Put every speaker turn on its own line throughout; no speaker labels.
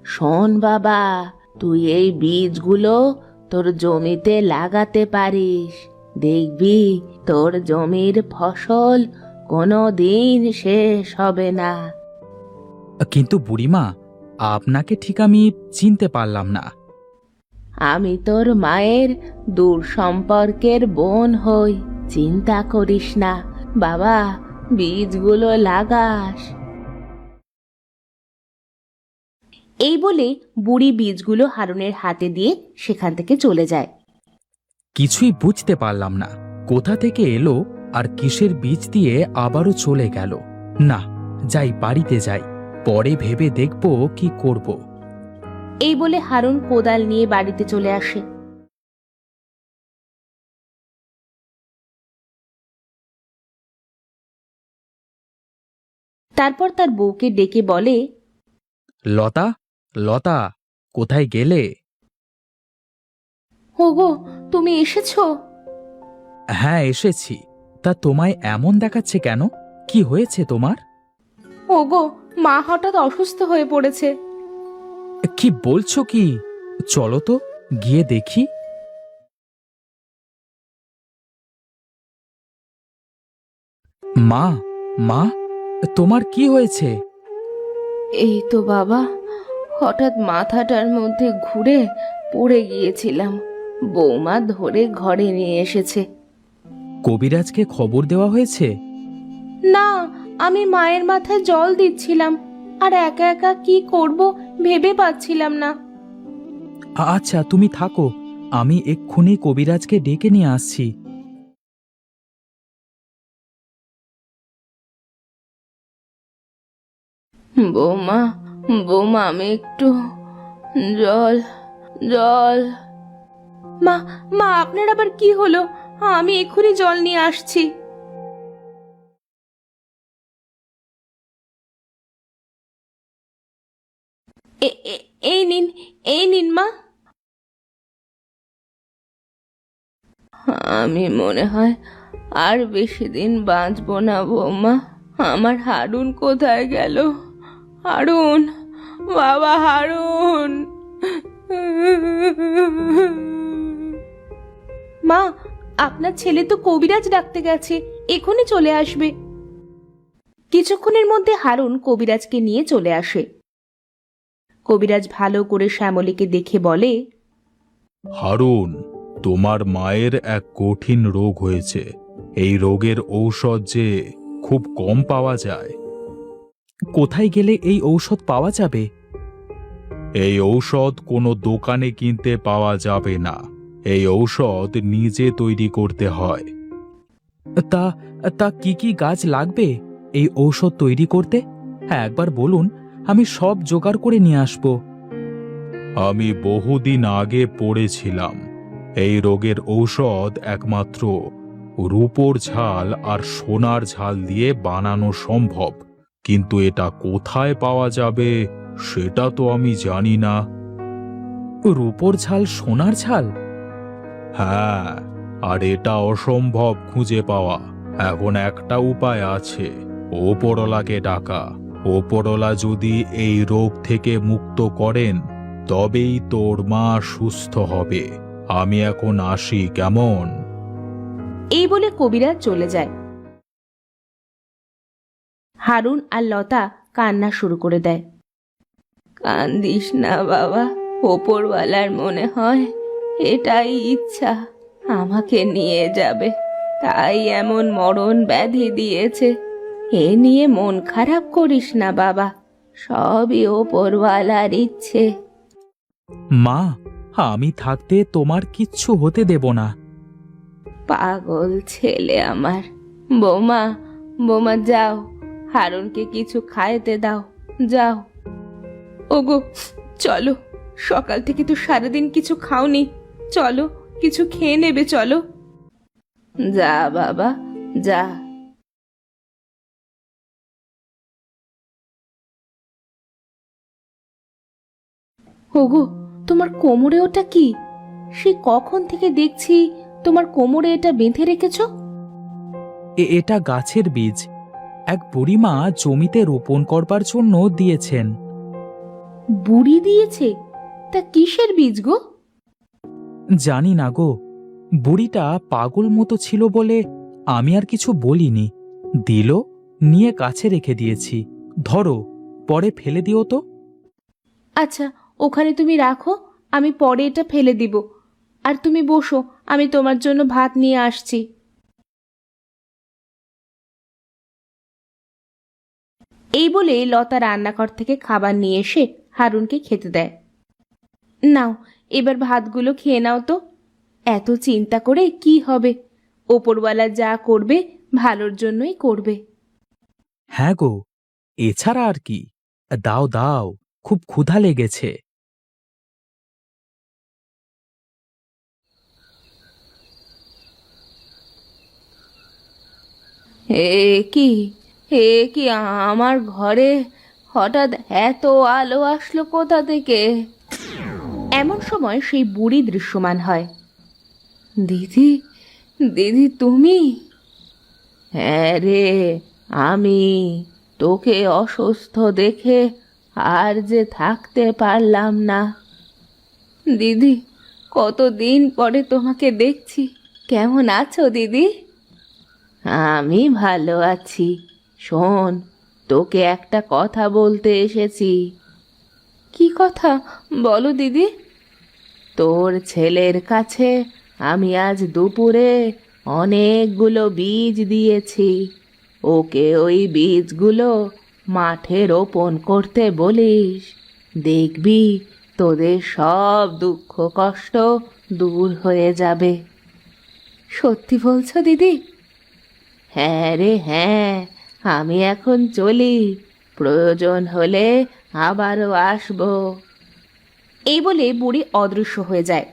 শোন বাবা, তুই এই বীজগুলো তোর জমিতে লাগাতে পারিস। দেখবি তোর জমির ফসল কোনো দিন শেষ হবে না।
কিন্তু বুড়িমা, আপনাকে ঠিক আমি চিনতে পারলাম না।
আমি তোর মায়ের দূর সম্পর্কের বোন হই। চিন্তা করিস না বাবা, বীজগুলো লাগাস। এই বলে বুড়ি বীজগুলো হারুনের হাতে দিয়ে সেখান থেকে চলে যায়।
কিছুই বুঝতে পারলাম না, কোথা থেকে এলো আর কিসের বীজ দিয়ে আবারও চলে গেল। না, যাই, বাড়িতে যাই, পরে ভেবে দেখব কি করব।
এই বলে হারুন কোদাল নিয়ে বাড়িতে চলে আসে। তারপর তার বউকে ডেকে বলে,
লতা, লতা, কোথায় গেলে?
ওগো, তুমি এসেছো?
হ্যাঁ, এসেছি। তা তোমায় এমন দেখাচ্ছে কেন? কি হয়েছে তোমার?
ওগো, মা হঠাৎ অসুস্থ হয়ে পড়েছে।
কি বলছো কি? চলো তো, গিয়ে দেখি। মা, মা, তোমার কি হয়েছে?
এই তো বাবা, হঠাৎ মাথাটার মধ্যে ঘুরে পড়ে গিয়েছিলাম। বৌমা ধরে ঘরে নিয়ে এসেছে।
কবিরাজকে খবর দেওয়া হয়েছে?
না, আমি মায়ের মাথায় জল দিচ্ছিলাম, আর একা একা কি করব ভেবে পাচ্ছিলাম না।
আচ্ছা, তুমি থাকো, আমি এক্ষুনি কবিরাজকে ডেকে নিয়ে আসছি।
বৌমা, বৌমা, আমি একটু জল, জল। মা, মা, আপনার আবার কি হলো? আমি এক্ষুনি জল নিয়ে আসছি। এই নিন, এই নিন মা। আমি মনে হয় আর বেশি দিন বাঁচবো না বৌমা। আমার হারুন কোথায় গেল? হারুন, বাবা হারুন। মা, আপনার ছেলে তো কবিরাজ ডাকতে গেছে, এখনই চলে আসবে। কিছুক্ষণের মধ্যে হারুন কবিরাজকে নিয়ে চলে আসে। কবিরাজ ভালো করে শ্যামলীকে দেখে বলে,
হারুন, তোমার মায়ের এক কঠিন রোগ হয়েছে। এই রোগের ঔষধ যে খুব কম পাওয়া যায়।
কোথায় গেলে এই ঔষধ পাওয়া যাবে?
এই ঔষধ কোনো দোকানে কিনতে পাওয়া যাবে না। এই ঔষধ নিজে তৈরি করতে হয়।
তা তা কি কি গাছ লাগবে এই ঔষধ তৈরি করতে? হ্যাঁ, একবার বলুন, আমি সব জোগাড় করে নিয়ে আসব।
আমি বহুদিন আগে পড়েছিলাম, এই রোগের ঔষধ একমাত্র রূপোর ঝাল আর সোনার ঝাল দিয়ে বানানো সম্ভব। কিন্তু এটা কোথায় পাওয়া যাবে সেটা তো আমি জানি না।
রূপোর ঝাল, সোনার ঝাল?
হ্যাঁ, আর এটা অসম্ভব খুঁজে পাওয়া। এখন একটা উপায় আছে, ওপরওয়ালাকে ডাকা। ওপরওয়ালা যদি এই রোগ থেকে মুক্ত করেন তবেই তোর মা সুস্থ হবে। আমি এখন আসি, কেমন?
এই বলে কবিরাজ চলে যায়। হারুন আর লতা কান্না শুরু করে দেয়। কান্দিস না বাবা, ওপরওয়ালার মনে হয় এটাই ইচ্ছা, আমাকে নিয়ে যাবে, তাই এমন মরণ ব্যাধি দিয়েছে। এ নিয়ে মন খারাপ করিস না বাবা, সবই ওপরওয়ালার ইচ্ছে।
মা, আমি থাকতে তোমার কিচ্ছু হতে দেব না।
পাগল ছেলে আমার। বৌমা, বৌমা, যাও, হারুনকে কিছু খাইতে দাও, যাও। ওগো, চলো, সকাল থেকে তো সারাদিন কিছু খাওনি, চলো কিছু খেয়ে নেবে, চলো। যা বাবা, যা। ওগো, তোমার কোমরে ওটা কি? সে কখন থেকে দেখছি তোমার কোমরে এটা বেঁধে রেখেছো।
এটা গাছের বীজ, এক বুড়িমা জমিতে রোপণ করবার জন্য দিয়েছেন।
বুড়ি দিয়েছে? তা কিসের বীজ গো?
জানি না গো, বুড়িটা পাগল মতো ছিল বলে আমি আর কিছু বলিনি। দিল, নিয়ে কাছে রেখে দিয়েছি। ধরো, পরে ফেলে দিও তো।
আচ্ছা, ওখানে তুমি রাখো, আমি পরে এটা ফেলে দিব। আর তুমি বসো, আমি তোমার জন্য ভাত নিয়ে আসছি। এই বলে লতা রান্নাঘর থেকে খাবার নিয়ে এসে হারুনকে খেতে দেয়। নাও, এবার ভাতগুলো খেয়ে নাও তো। এত চিন্তা করে কি হবে? ওপরওয়ালা যা করবে ভালোর জন্যই করবে।
হ্যাঁ গো, এছাড়া আর কি। দাও দাও, খুব ক্ষুধা লেগেছে।
কি এ কি আমার ঘরে হঠাৎ এত আলো আসলো কোথা থেকে? এমন সময় সেই বুড়ি দৃশ্যমান হয়। দিদি, দিদি তুমি? হ্যাঁ রে, আমি। তোকে অসুস্থ দেখে আর যে থাকতে পারলাম না। দিদি, কতদিন পরে তোমাকে দেখছি। কেমন আছো দিদি? আমি ভালো আছি। শোন, তোকে একটা কথা বলতে এসেছি। কি কথা? বলো দিদি। তোর ছেলের কাছে আমি আজ দুপুরে অনেকগুলো বীজ দিয়েছি। ওকে ওই বীজগুলো মাঠে রোপণ করতে বলিস। দেখবি তোদের সব দুঃখ কষ্ট দূর হয়ে যাবে। সত্যি বলছো দিদি? হ্যাঁ রে হ্যাঁ, আমি এখন চলি, প্রয়োজন হলে আবারও আসবো। এই বলে বুড়ি অদৃশ্য হয়ে যায়।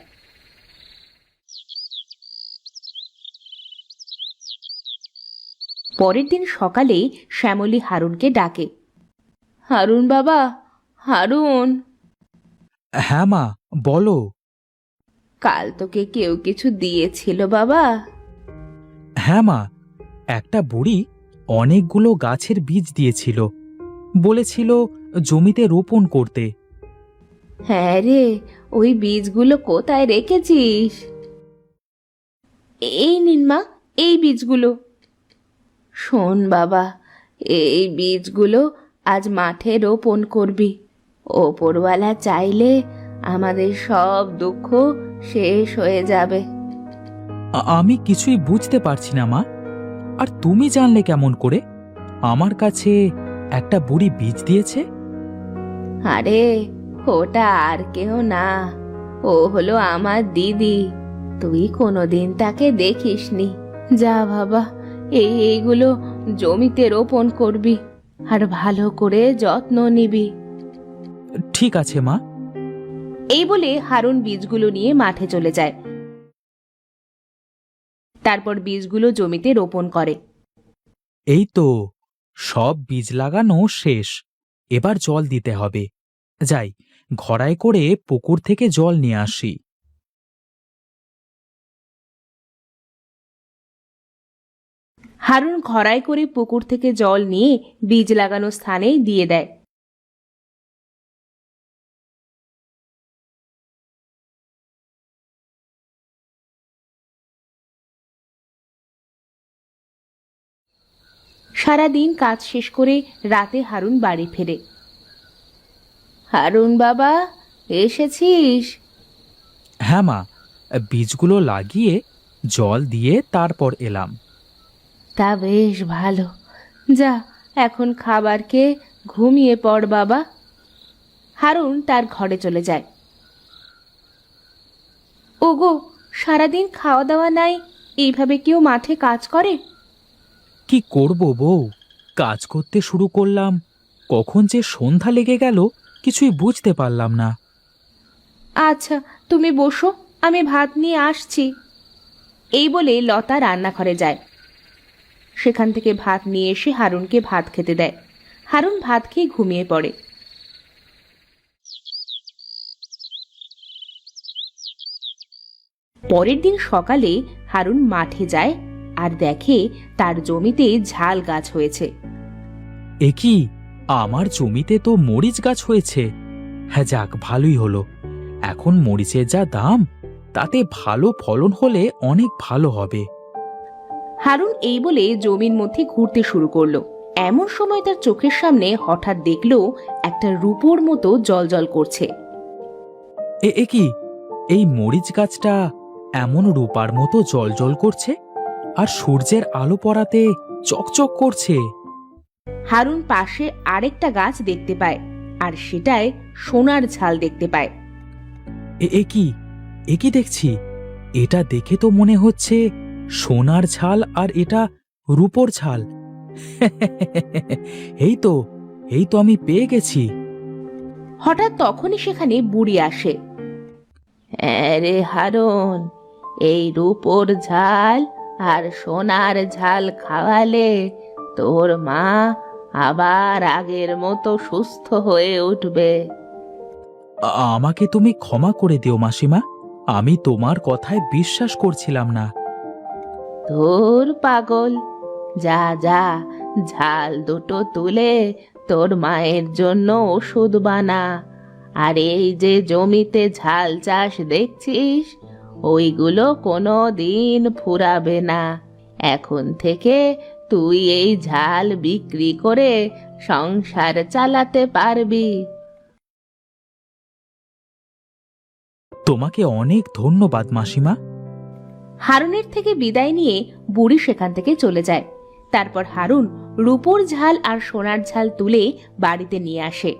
পরের দিন সকালে শ্যামলী হারুনকে ডাকে। হারুন বাবা, হারুন।
হ্যাঁ মা, বলো।
কাল তোকে কেউ কিছু দিয়েছিল বাবা?
হ্যাঁ মা, একটা বুড়ি অনেকগুলো গাছের বীজ দিয়েছিল। বলেছিল জমিতে রোপণ করতে।
হ্যাঁ রে, ওই বীজগুলো কোথায় রেখেছিস? এই নিন মা, এই বীজগুলো। শোন বাবা, এই বীজগুলো আজ মাঠে রোপণ করবি। ওপরওয়ালা চাইলে আমাদের সব দুঃখ শেষ হয়ে যাবে।
আমি কিছুই বুঝতে পারছি না মা। আর তুমি জানলে কেমন করে আমার কাছে একটা বুড়ি বীজ দিয়েছে?
আরে, ওটা আর কেউ না, ও হলো আমার দিদি। তুই কোনোদিন তাকে দেখিসনি। যা বাবা, এইগুলো জমিতে রোপণ করবি আর ভালো করে যত্ন নিবি।
ঠিক আছে মা।
এই বলে হারুন বীজগুলো নিয়ে মাঠে চলে যায়। তারপর বীজগুলো জমিতে রোপণ করে।
এই তো, সব বীজ লাগানো শেষ। এবার জল দিতে হবে। যাই, ঘড়ায় করে পুকুর থেকে জল নিয়ে আসি।
হারুন ঘড়ায় করে পুকুর থেকে জল নিয়ে বীজ লাগানো স্থানে দিয়ে দেয়। সারাদিন কাজ শেষ করে রাতে হারুন বাড়ি ফেরে। হারুন বাবা, এসেছিস?
হ্যাঁ মা, বীজগুলো লাগিয়ে জল দিয়ে তারপর এলাম।
তা বেশ ভালো। যা, এখন খাবার খেয়ে ঘুমিয়ে পড় বাবা। হারুন তার ঘরে চলে যায়। ওগো, সারাদিন খাওয়া দাওয়া নাই, এইভাবে কেউ মাঠে কাজ করে?
কি করব বউ, কাজ করতে শুরু করলাম, কখন যে সন্ধ্যা লেগে গেল কিছুই বুঝতে পারলাম না।
আচ্ছা, তুমি বসো, আমি ভাত নিয়ে আসছি। এই বলে লতা রান্নাঘরে যায়। সেখান থেকে ভাত নিয়ে এসে হারুনকে ভাত খেতে দেয়। হারুন ভাত খেয়ে ঘুমিয়ে পড়ে। পরের দিন সকালে হারুন মাঠে যায় আর দেখে তার জমিতে ঝাল গাছ হয়েছে।
এ কি, আমার জমিতে তো মরিচ গাছ হয়েছে। হ্যাঁ, যাক ভালোই হলো। এখন মরিচের যা দাম, তাতে ভালো ফলন হলে অনেক ভালো হবে।
হারুন এই বলে জমির মধ্যে ঘুরতে শুরু করলো। এমন সময় তার চোখের সামনে হঠাৎ দেখলো একটা রূপোর মতো জলজল করছে।
এ কি, এই মরিচ গাছটা এমন রূপার মতো জলজল করছে, আর সূর্যের আলো পড়াতে চকচক করছে।
হারুন পাশে আরেকটা গাছ দেখতে পায়, আর সেটায় সোনার ঝাল দেখতে পায়।
এ কি দেখছি? এটা দেখে তো মনে হচ্ছে সোনার ঝাল, আর এটা রূপোর ঝাল। এই তো আমি পেয়ে গেছি।
হঠাৎ তখনই সেখানে বুড়ি আসে। আরে হারুন, এই রূপোর ঝাল আর সোনার ঝাল খাওয়ালে তোর মা আবার আগের মতো সুস্থ হয়ে উঠবে।
আমাকে তুমি ক্ষমা করে দিও মাসিমা, আমি তোমার কথায় বিশ্বাস করছিলাম না।
ধুর পাগল, যা যা, ঝাল দুটো তুলে তোর মায়ের জন্য ওষুধ বানা। আর এই যে জমিতে ঝাল চাষ দেখছিস, ওইগুলো কোনো দিন ফুরাবে না। এখন থেকে তুই এই ঝাল বিক্রি করে সংসার চালাতে পারবি।
তোমাকে অনেক ধন্যবাদ মাসিমা।
হারুনের থেকে বিদায় নিয়ে বুড়ি সেখান থেকে চলে যায়। তারপর হারুন রূপোর ঝাল আর সোনার ঝাল তুলে বাড়িতে নিয়ে আসে,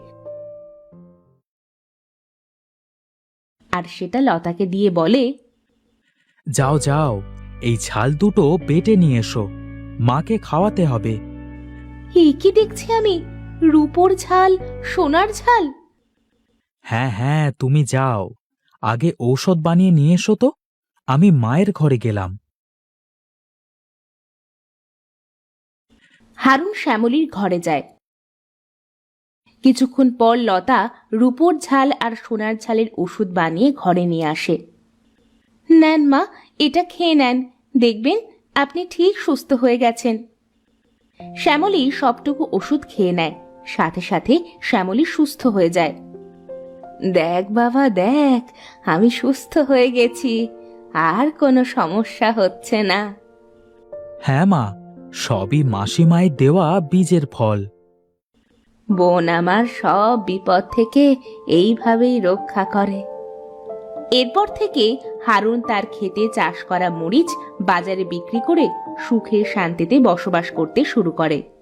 আর সেটা লতাকে দিয়ে বলে,
যাও যাও, এই ঝাল দুটো বেটে নিয়ে এসো, মাকে খাওয়াতে হবে।
কি দেখছি আমি, রূপোর ঝাল, সোনার ঝাল?
হ্যাঁ হ্যাঁ, তুমি যাও, আগে ঔষধ বানিয়ে নিয়ে এসো তো, আমি মায়ের ঘরে গেলাম।
হারুন শ্যামলীর ঘরে যায়। কিছুক্ষণ পর লতা রূপোর ঝাল আর সোনার ঝালের ওষুধ বানিয়ে ঘরে নিয়ে আসে। নেন মা, এটা খেয়ে নেন, দেখবেন আপনি ঠিক সুস্থ হয়ে গেছেন। শ্যামলী সবটুকু ওষুধ খেয়ে নেয়, সাথে সাথে শ্যামলী সুস্থ হয়ে যায়। দেখ বাবা দেখ, আমি সুস্থ হয়ে গেছি, আর কোনো সমস্যা হচ্ছে না।
হ্যাঁ মা, সবই মাসিমায়ের দেওয়া বীজের ফল।
বোন আমার সব বিপদ থেকে এইভাবেই রক্ষা করে। এরপর থেকে হারুন তার ক্ষেতে চাষ করা মরিচ বাজারে বিক্রি করে সুখে শান্তিতে বসবাস করতে শুরু করে।